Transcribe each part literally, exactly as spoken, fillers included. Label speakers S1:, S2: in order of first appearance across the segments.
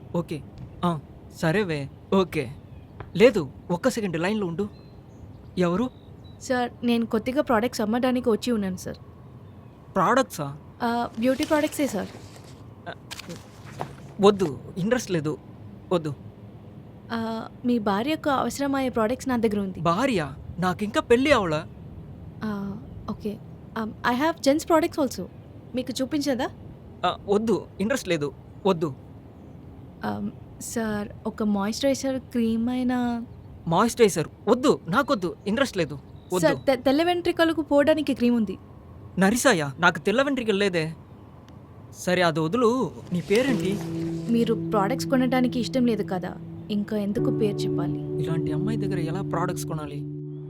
S1: Okay. ఆ! సరేవే. Okay. లేదు, ఒక్క సెకండ్ లైన్‌లో ఉండు. ఎవరు?
S2: సార్ నేను కొద్దిగా ప్రోడక్ట్స్ అమ్మడానికి వచ్చి ఉన్నాను సార్.
S1: ప్రొడక్ట్సా?
S2: ఆహ్, బ్యూటీ ప్రోడక్ట్సే సార్.
S1: ఆహ్, వద్దు. ఇంట్రెస్ట్ లేదు. వద్దు.
S2: ఆహ్, మీ భార్యకు అవసరమయ్యే ప్రోడక్ట్స్ నా దగ్గర ఉంది.
S1: భార్య? నాకింకా పెళ్లి అవ్వలా.
S2: Ah, okay. Ah, I have gents products also. మీకు చూపించదా?
S1: ఆ! వద్దు. ఇంట్రెస్ట్ లేదు. వద్దు.
S2: ఆహ్, సార్ ఒక మాయిశ్చరైజర్ క్రీమ్ అయినా
S1: మాయిశ్చరైజర్ వద్దు. నాకొద్దు. ఇంట్రెస్ట్ లేదు. వద్దు.
S2: సార్ తె తెల్ల వెంట్రుకలకు పోవడానికి క్రీమ్ ఉంది.
S1: నరిసాయ? నాకు తెల్ల వెంట్రుకలు లేదే. సరే అది వదులు. నీ పేరేంటి?
S2: మీరు ప్రోడక్ట్స్ కొనడానికి ఇష్టం లేదు కదా! ఇంకా ఎందుకు పేరు చెప్పాలి?
S1: ఇలాంటి అమ్మాయి దగ్గర ఎలా ప్రొడక్ట్స్ కొనాలి?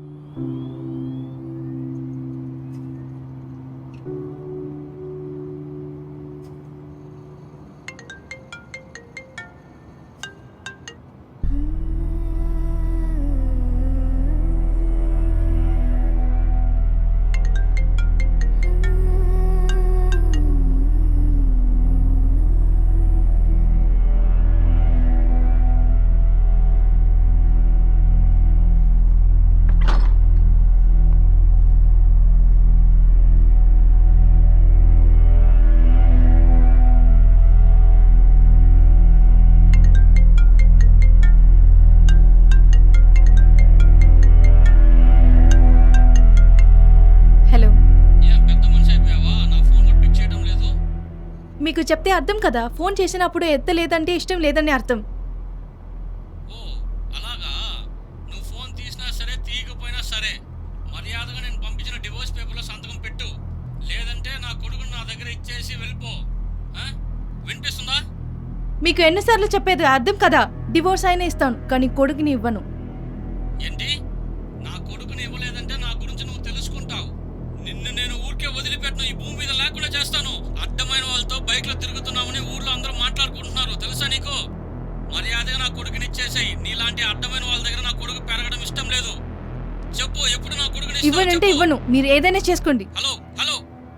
S2: హలో.
S3: ఏం పెద్ద మనిషి అయిపోయావా? నా ఫోన్ కూడా పిక్ చేయడం లేదు.
S2: మీకు చెప్తే అర్థం కదా! ఫోన్ చేసినప్పుడు ఎత్తలేదంటే ఇష్టం లేదని అర్థం.
S3: ఓ అలాగా. నువ్వు ఫోన్ తీసినా సరే తీయకపోయినా సరే మర్యాదగా నేను పంపించిన డివోర్స్ పేపర్లో సంతకం పెట్టు. లేదంటే నా కొడుకుని నా దగ్గర ఇచ్చేసి వెళ్ళిపో. ఆ? వినిపిస్తుందా?
S2: మీకు ఎన్నిసార్లు చెప్పేది అర్థం కదా! డివోర్స్ అయినా ఇస్తాను, కానీ కొడుకుని ఇవ్వను.
S3: ఏంటి? నా కొడుకుని ఇవ్వలేదంటే నా గురించి నువ్వు తెలుసుకుంటావు. నిన్ను నేను ఊరికే వదిలిపెట్టను. ఈ భూమి మీద లేకుండా చేస్తాను. అడ్డమైన వాళ్ళతో బైక్లో తిరుగుతున్నామని ఊర్లో అందరూ మాట్లాడుకుంటున్నారు. తెలుసా నీకు? మర్యాదగా నా కొడుకుని ఇచ్చేసేయి. నీలాంటి అడ్డమైన వాళ్ళ దగ్గర నా కొడుకు పెరగడం ఇష్టం లేదు. చెప్పు, ఎప్పుడు నా కొడుకుని ఇస్తావో
S2: ఇవ్వనంటే
S3: చెప్పు.
S2: ఇవ్వను. మీరు ఏదైనా చేసుకోండి.
S3: హలో హలో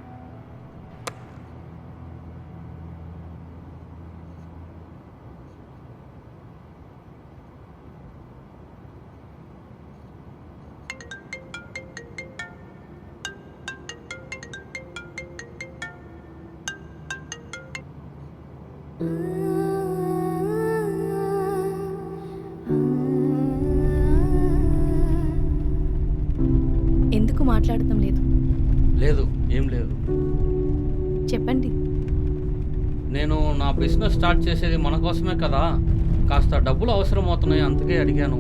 S2: ఎందుకు మాట్లాడటం లేదు?
S3: లేదు, ఏం లేదు.
S2: చెప్పండి.
S3: నేను నా బిజినెస్ స్టార్ట్ చేసేది మన కోసమే కదా. కాస్త డబ్బులు అవసరం అవుతున్నాయి, అందుకే అడిగాను.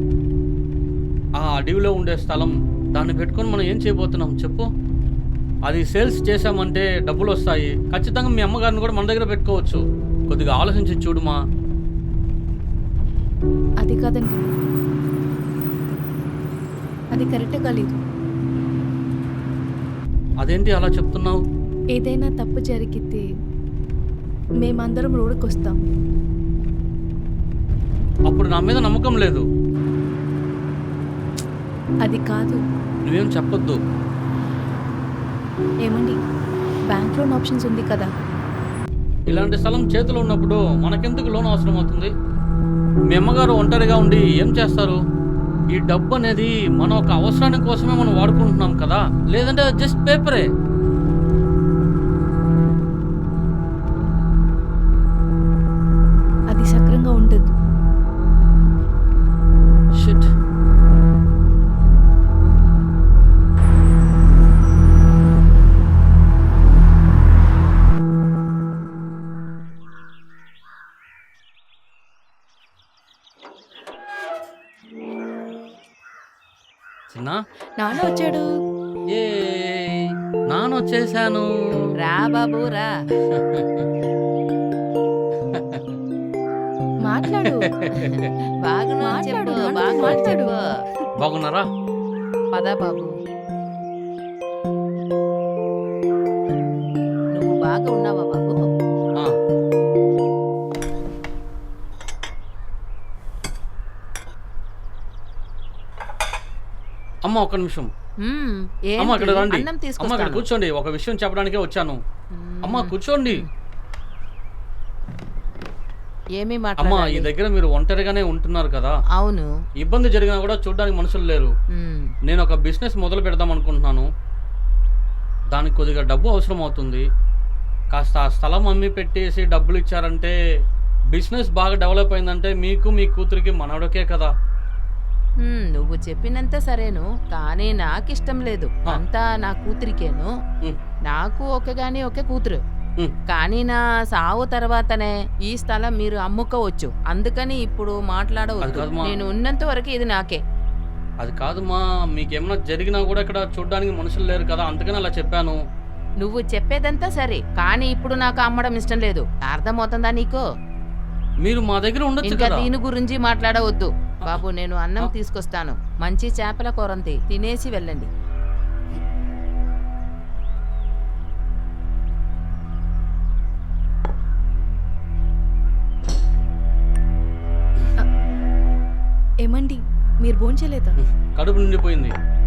S3: ఆ అడవిలో ఉండే స్థలం, దాన్ని పెట్టుకొని మనం ఏం చేయబోతున్నాం చెప్పు? అది సేల్స్ చేసామంటే డబ్బులు వస్తాయి. ఖచ్చితంగా మీ అమ్మగారిని కూడా మన దగ్గర పెట్టుకోవచ్చు. కొద్దిగా ఆలోచించి చూడుమా.
S2: అది కాదండి, అది కరెక్ట్గా లేదు.
S3: అదేంటి అలా చెప్తున్నావు?
S2: ఏదైనా తప్పు జరిగితే మేమందరం రోడ్డుకి వస్తాం.
S3: అప్పుడు నా మీద నమ్మకం లేదు.
S2: అది కాదు.
S3: నువ్వేం చెప్పొద్దు.
S2: ఏమండి, బ్యాంక్ లోన్ ఆప్షన్స్ ఉంది కదా.
S3: ఇలాంటి స్థలం చేతిలో ఉన్నప్పుడు మనకెందుకు లోన్ అవసరం అవుతుంది? మీ అమ్మగారు ఒంటరిగా ఉండి ఏం చేస్తారు? ఈ డబ్బు అనేది మన ఒక అవసరానికి కోసమే మనం వాడుకుంటున్నాం కదా. లేదంటే జస్ట్ పేపరే.
S2: అది సక్రంగా ఉండదు.
S3: షిట్. చిన్న
S2: నాన్న వచ్చాడు.
S3: ఏ నాన్న వచ్చేసాను.
S4: రా బాబు రా.
S2: మాట్లాడు.
S4: బాగున్నా
S2: మాట్లాడు,
S4: చెప్పు,
S2: నాన్న
S4: బాగున్నా
S2: మాట్లాడు.
S4: చెప్పు.
S3: బాగున్నారా?
S4: పద బాబు. నువ్వు బాగా ఉన్నావా బాబు?
S3: ఆ, అమ్మ ఒక్క నిమిషం.
S4: మ్మ్,
S3: అమ్మ ఇక్కడ
S4: ఏంటి?
S3: రండి.
S4: అన్నం
S3: అమ్మ ఇక్కడ
S4: తీసుకొస్తాను.
S3: కూర్చోండి. ఒక విషయం చెప్పడానికే వచ్చాను.
S4: మ్మ్.
S3: అమ్మ కూర్చోండి.
S4: ఏమీ
S3: అమ్మా ఈ
S4: మాట్లాడాలి?
S3: దగ్గర మీరు ఒంటరిగానే ఉంటున్నారు కదా,
S4: అవును.
S3: ఇబ్బంది జరిగినా కూడా చూడడానికి మనుషులు లేరు.
S4: ఉమ్,
S3: నేను ఒక బిజినెస్ మొదలు పెడదాం అనుకుంటున్నాను. దానికి కొద్దిగా డబ్బు అవసరం అవుతుంది. కాస్త ఆ స్థలం అమ్మి పెట్టేసి డబ్బులు ఇచ్చారంటే బిజినెస్ బాగా డెవలప్ అయిందంటే మీకు మీ కూతురికి మనవడకే కదా.
S4: ఉమ్, నువ్వు చెప్పినంత సరేను, కానీ నాకు ఇష్టం లేదు.
S3: ఆ.
S4: అంతా నా కూతురికేను.
S3: ఉమ్,
S4: నాకు ఒకేగాని ఒకే కూతురు.
S3: ఉమ్.
S4: కానీ నా సావు తర్వాతనే ఈ స్థలం మీరు అమ్ముకోవచ్చు. అందుకని ఇప్పుడు
S3: అది
S4: మాట్లాడవద్దు.
S3: కాదమ్మా.
S4: నేను ఉన్నంత వరకు ఇది నాకే.
S3: అది కాదుమా, మీకేమైనా జరిగినా కూడా ఇక్కడ చూడడానికి మనుషులు లేరు కదా, అందుకని అలా చెప్పాను.
S4: నువ్వు చెప్పేదంతా సరే, కానీ ఇప్పుడు నాకు అమ్మడం ఇష్టం లేదు. అర్థమవుతుందా నీకు?
S3: మీరు మా దగ్గర ఉండొచ్చు
S4: ఇంకా
S3: కదా.
S4: దీని గురించి మాట్లాడవద్దు. బాబు, నేను అన్నం
S3: ఆ.
S4: తీసుకొస్తాను. మంచి చేపల కూరంతి తినేసి వెళ్ళండి.
S2: ఏమండి మీరు భోంచలేదా?
S3: కడుపు నిండిపోయింది.